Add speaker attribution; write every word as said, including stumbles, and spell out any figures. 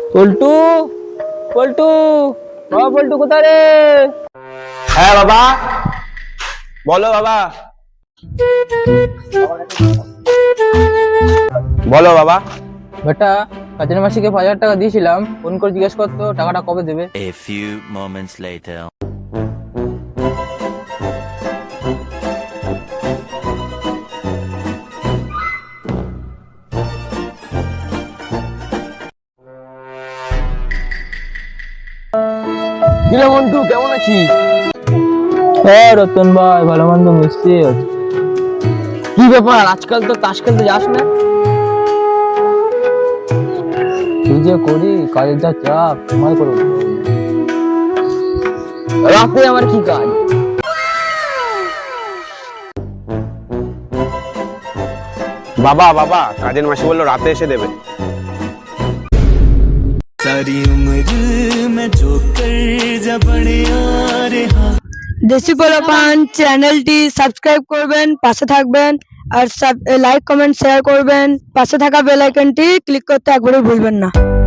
Speaker 1: পল্টু পল্টু বাবা, পল্টু কোথায় রে?
Speaker 2: হ্যাঁ বাবা, বলো বাবা। বলো বাবা।
Speaker 1: বেটা, কাজের মাসিকে পাঁচ হাজার টাকা দিয়েছিলাম, ফোন করে জিজ্ঞেস করতো টাকাটা কবে দেবে।
Speaker 3: A few moments later.
Speaker 1: কিরে মন্টু, কেমন আছিস? হ্যাঁ রতন ভাই, ভালো মন্দ মিশছে। কি ব্যাপার, আজকাল তো তাস খেলতে যাস না? কি যে করি, কাজের যা চাপ, সময় করো। রাতে আমার কি কাজ?
Speaker 2: বাবা বাবা, কাজের মাসি বললো রাতে এসে দেবে।
Speaker 3: सारी उम्र में जो कर जा बड़े यारे हाँ
Speaker 4: দেশি পোলাপান চ্যানেলটি সাবস্ক্রাইব করবেন, পাশে থাকবেন আর লাইক কমেন্ট শেয়ার করবেন, পাশে থাকা বেল আইকনটি ক্লিক করতে একবারও ভুলবেন না।